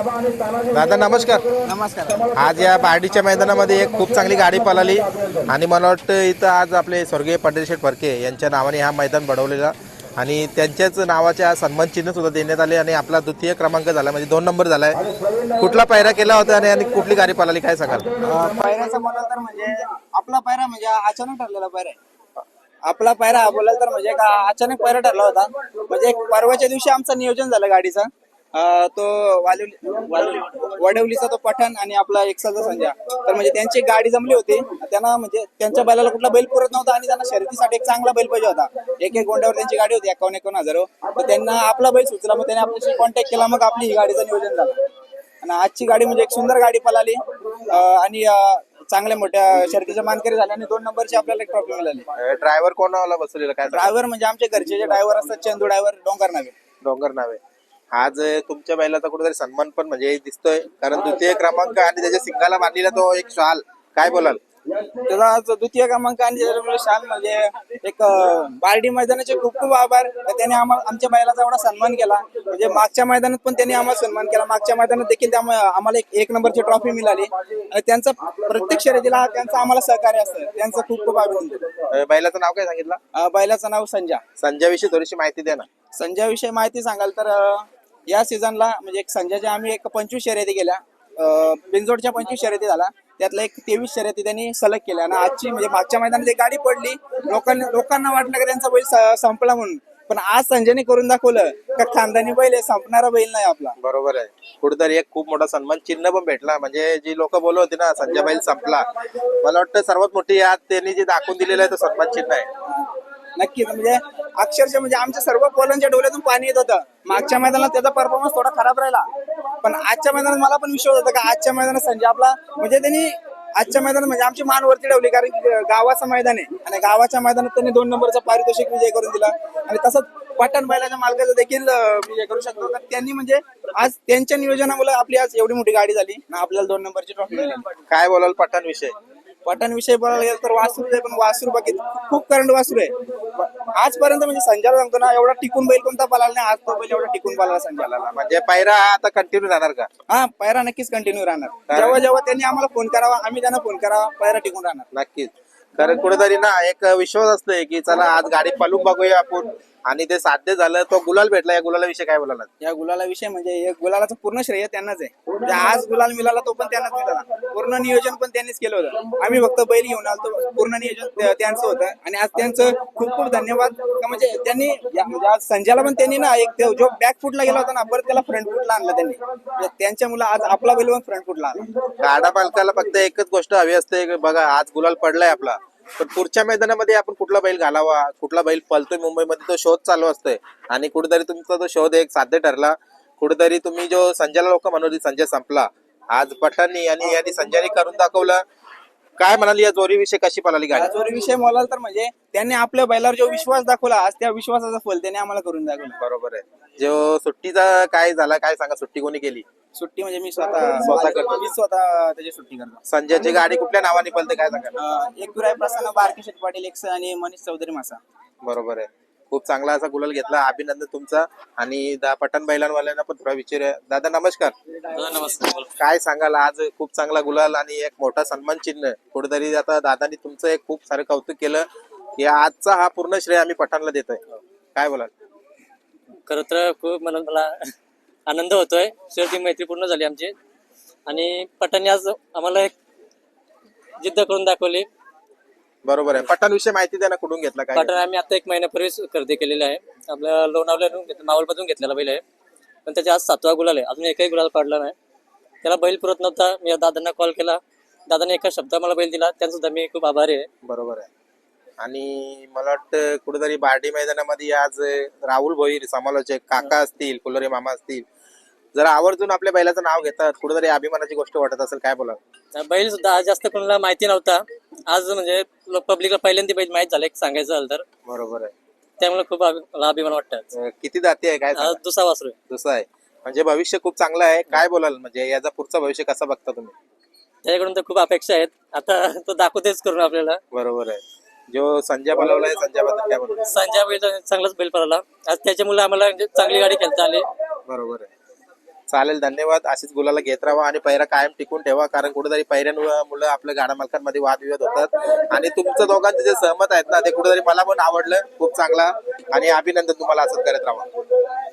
दादा नमस्कार. नमस्कार. आज या बार्डीच्या मैदानामध्ये एक खूप चांगली गाडी पळाली आणि मला वाटतं इथं आज आपले स्वर्गीय पंढरीशेठ फडके यांच्या नावाने हा मैदान बनवलेला आणि त्यांच्याच नावाचे सन्मान चिन्ह सुद्धा देण्यात आले आणि आपला द्वितीय क्रमांक झाला म्हणजे 2 नंबर झालाय. कुठला पायरा केला होता आणि कुठली गाडी पळाली काय सांगाल? पायऱ्याचा म्हणाल तर म्हणजे आपला पायरा म्हणजे अचानक ठरलेला पायरा आहे. आपला पायरा बोलाल तर म्हणजे का अचानक पायरा ठरला होता. म्हणजे एक परवाच्या दिवशी आमचं नियोजन झालं गाडीचा. तो वडवलीचा तो पठाण आणि आपला एकसाचा संजय, तर म्हणजे त्यांची गाडी जमली होती. त्यांना म्हणजे त्यांच्या बैलाला कुठला बैल पुरत नव्हता आणि त्यांना शर्यतीसाठी एक चांगला बैल पाहिजे होता. एक गोंड्यावर त्यांची गाडी होती 51,000. तर त्यांना आपला बैल सुचला, मग त्यांनी आपल्याशी कॉन्टॅक्ट केला, मग आपली ही गाडीचं नियोजन झालं आणि आजची गाडी म्हणजे एक सुंदर गाडी पळाली आणि चांगल्या मोठ्या शर्यतीच्या मानकरी झाल्या आणि 2 नंबरची आपल्याला एक ट्रॉफी मिळाली. ड्रायव्हर कोणाला बसवलेला काय? ड्रायव्हर म्हणजे आमचे घरचे जे ड्रायव्हर असतात, चंदू ड्रायव्हर, डोंगर नावे. डोंगर नावे. आज तुमच्या बैलाचा कुठेतरी सन्मान पण म्हणजे दिसतोय, कारण द्वितीय क्रमांक आणि त्याच्या सिंगाला बांधलेला तो एक शाल, काय बोलाल? त्याचा आज द्वितीय क्रमांक आणि त्याच्यामुळे शाल म्हणजे एक बार्डी मैदानाचे खूप खूप आभार. त्याने आमच्या बैलाचा एवढा सन्मान केला. म्हणजे मागच्या मैदानात पण त्यांनी आम्हाला सन्मान केला. मागच्या मैदानात देखील आम्हाला एक नंबरची ट्रॉफी मिळाली आणि त्यांचं प्रत्येक शर्यतीला त्यांचं आम्हाला सहकार्य असतं. त्यांचं खूप खूप अभिनंदन. बैलाचं नाव काय सांगितलं? बैलाचं नाव संजय. संजयविषयी थोडीशी माहिती द्या ना. संजयविषयी माहिती सांगाल तर या सीझनला म्हणजे एक संजयच्या आम्ही एक 25 शर्यती केल्या. बिनजोडच्या 25 शर्यती झाला, त्यातल्या एक 23 शर्यती त्यांनी सलग केल्या आणि आजची म्हणजे मागच्या मैदानात एक गाडी पडली. लोकांना वाटलं की त्यांचा बैल संपला म्हणून, पण आज संजयने करून दाखवलं का खानदानी बैल आहे, संपणारा बैल नाही आपला. बरोबर आहे. कुठेतरी एक खूप मोठा सन्मान चिन्ह पण भेटला. म्हणजे जी लोक बोलत होती ना संजय बैल संपला, मला वाटतं सर्वात मोठी याद त्यांनी जे दाखवून दिलेलं आहे तो सन्मान चिन्ह आहे. नक्कीच. म्हणजे अक्षरशः म्हणजे आमच्या सर्व पोलांच्या डोळ्यातून पाणी येत होतं. मागच्या मैदानात त्याचा परफॉर्मन्स थोडा खराब राहिला, पण आजच्या मैदानात मला पण विश्वास होता का आजच्या मैदानात संजय आपला म्हणजे त्यांनी आजच्या मैदानात म्हणजे आमची मान वरती ठेवली, कारण की गावाचं मैदान आहे आणि गावाच्या मैदानात त्यांनी 2 नंबरचा पारितोषिक विजय करून दिला आणि तसंच पठाण बैलाच्या मालकाचा देखील विजय करू शकतो. तर त्यांनी म्हणजे आज त्यांच्या नियोजनामुळे आपली आज एवढी मोठी गाडी झाली ना, आपल्याला 2 नंबरची ट्रॉफी मिळाली. काय बोलाल पठाण विषय? पठाण विषय बोलायला गेलं तर वासरू आहे, पण वासरू बाकी खूप करंट वासरू आहे आजपर्यंत. म्हणजे संजयला सांगतो ना, एवढा टिकून बैल कोणता पळाला नाही. आज तो बैल एवढा टिकून पळाला संजयला. म्हणजे पायरा आता कंटिन्यू राहणार का? हा, पायरा नक्कीच कंटिन्यू राहणार. जेव्हा जेव्हा त्यांनी आम्हाला फोन करावा, आम्ही त्यांना फोन करावा, पायरा टिकून राहणार. नक्कीच. कारण कुठेतरी ना एक विश्वास असतोय की चला आज गाडी पळून बघूया आपण, आणि ते साध्य झालं. तो गुलाल भेटला. या गुलालाविषयी काय बोलाल? या गुलाला विषय म्हणजे या गुलालाचं पूर्ण श्रेय त्यांनाच आहे. म्हणजे आज गुलाल मिळाला तो पण त्यांनाच मिळाला. पूर्ण नियोजन पण त्यांनीच केलं होतं. आम्ही फक्त बैल घेऊन आलो, पूर्ण नियोजन त्यांचं होतं आणि आज त्यांचं खूप खूप धन्यवाद. म्हणजे त्यांनी म्हणजे आज संजयला पण त्यांनी ना एक जो बॅक फुटला गेला होता ना, परत त्याला फ्रंट फुटला आणला त्यांनी. म्हणजे त्यांच्या मुलं आज आपला बैल पण फ्रंट फुटला आला. गाडा पालकाला फक्त एकच गोष्ट हवी असते की बघा आज गुलाल पडलाय आपला, पण पुढच्या मैदानामध्ये आपण कुठला बैल घालावा, कुठला बैल पळतोय मुंबईमध्ये, तो शोध चालू असतोय आणि कुठेतरी तुमचा तो शोध एक साध्य ठरला. कुठेतरी तुम्ही जो संजयला लोक म्हणत संजय संपला, आज पठाणनी आणि यांनी संजयने करून दाखवलं. काय म्हणाली या जोरीविषयी, कशी पळाली गाडी? जोरी विषय बोलाल तर म्हणजे त्यांनी आपल्या बैलावर जो विश्वास दाखवला, आज त्या विश्वासाचं फल त्यांनी आम्हाला करून दाखवलं. बरोबर आहे. जो सुट्टीचा काय झाला, काय सांगा, सुट्टी कोणी केली? सुट्टी म्हणजे मी स्वतः करतो. मी स्वतः त्याची सुट्टी करतो. संजयची गाडी कुठल्या नावाने पळते काय सांगा? एक गुराय प्रसन्न, बारकी शेठ पाटील एक्स आणि मनीष चौधरी मासा. बरोबर आहे. खूप चांगला असा गुलाल घेतला, अभिनंदन तुमचा. आणि पठाण बैलांवाल्यांना पण थोडा विचारूया. दादा नमस्कार. नमस्कार. काय सांगाल? आज खूप चांगला गुलाल आणि एक मोठा सन्मान चिन्ह. कुठेतरी आता दादानी तुमचं एक खूप सारं कौतुक केलं की आजचा हा पूर्ण श्रेय आम्ही पठाणला देतोय. काय बोलाल? खरं तर खूप मला आनंद होतोय. शेवटी मैत्री पूर्ण झाली आमची आणि पठाणने आज आम्हाला एक जिद्द करून दाखवली. बरोबर आहे. पठाण विषयी माहिती द्या ना, कुठून घेतला काय? पठाण आम्ही आता 1 महिन्यापूर्वीच खरेदी केलेला आहे. आपल्या लोणावल्यातून मावळमधून घेतलेला बैल आहे, पण त्याच्या आज 7वा गुलाल आहे. अजून एकही गुलाल काढला नाही. त्याला बैल पुरत नव्हता. मी दादांना कॉल केला, दादाने एका शब्दात मला बैल दिला, त्यांचा सुद्धा मी खूप आभारी आहे. बरोबर आहे. आणि मला वाटतं कुठेतरी बार्डी मैदानामध्ये आज राहुल भोईर समालोचक काका असतील, कुलरे मामा असतील, जरा आवर्जून आपल्या बैलाचं नाव घेतात, कुठेतरी अभिमानाची गोष्ट वाटत असेल. काय बोला? बैल सुद्धा आज जास्त कोणाला माहिती नव्हता. आज म्हणजे पब्लिकला पहिल्यांदा बैल माहित झालं, एक सांगायचं झालं तर. बरोबर आहे. त्यामुळे खूप मला अभिमान वाटतं. किती जाती आहे काय? दुसरा वासरू आहे. दुसरा आहे. म्हणजे भविष्य खूप चांगलं आहे. काय बोलाल, म्हणजे याचा पुढचा भविष्य कसा बघता तुम्ही? त्याच्याकडून तर खूप अपेक्षा आहेत. आता तो दाखवतेच करून आपल्याला. बरोबर आहे. जो संजय पळवलाय, संजय बद्दल काय बोलतो? संजय बैल चांगलाच बैल पळाला आज. त्याच्यामुळे आम्हाला म्हणजे चांगली गाडी खेळता आली. बरोबर आहे. चालेल, धन्यवाद. अशीच गुलाला घेत राहा आणि पैरा कायम टिकून ठेवा, कारण कुठेतरी पैऱ्यांमुळे आपल्या गाडा मालकांमध्ये वादविवाद होतात. आणि तुमचं दोघांचे जे सहमत आहेत ना, ते कुठेतरी मला पण आवडलं. खूप चांगला आणि अभिनंदन तुम्हाला असंच करत राहा.